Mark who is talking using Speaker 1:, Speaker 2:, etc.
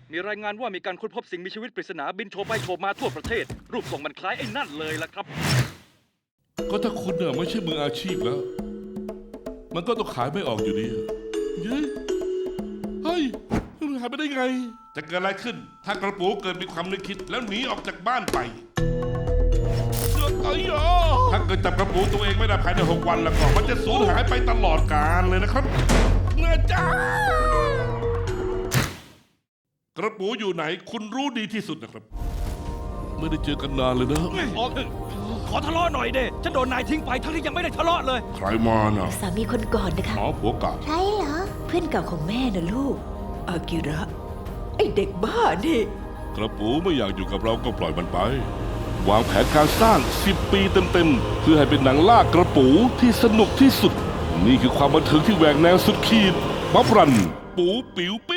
Speaker 1: มีรายงานว่ามีการค้นพบสิ่งมีชีวิตปริศนาบินโฉบไปโฉบมาทั่วประเทศ รูปทรงมันคล้ายไอ้นั่นเลยล่ะครับ
Speaker 2: ก็ถ้าคุณเนี่ยไม่ใช่มืออาชีพแล้ว มันก็ต้องขายไม่ออกอยู่ดีเย้เฮ้ยหายไปได้ไง
Speaker 3: จะเกิดอะไรขึ้น ถ้ากระปูเกิดมีความนึกคิดแล้วหนีออกจากบ้านไป
Speaker 2: ไอ้ยอ
Speaker 3: ถ้าเกิดจับกระปูตัวเองไม่ได้ภายใน6 วันแล้วก็มันจะสูญหายไปตลอดกาลเลยนะครับเงือจ้ากระปูอยู่ไหนคุณรู้ดีที่สุดนะครับ
Speaker 2: ไม่ได้เจอกันนานเลยนะ
Speaker 1: ออกเถอะขอทะเลาะหน่อยเด้ฉันโดนนายทิ้งไปทั้งที่ยังไม่ได้ทะเลาะเลย
Speaker 3: ใครมาน่ะ
Speaker 4: สามีคนก่อนนะคะ
Speaker 3: อ๋อผัวเก่า
Speaker 4: ใช่เหรอ เพื่อนเก่าของแม่นะลูก อากิระ ไอเด็กบ้านี่
Speaker 2: กระปูไม่อยากอยู่กับเราก็ปล่อยมันไป วางแผนการสร้าง10 ปีเต็มๆ เพื่อให้เป็นหนังล่ากระปูที่สนุกที่สุด นี่คือความบันเทิงที่แหวกแนวสุดขีดบัฟรัน ปูปิ๋วปี้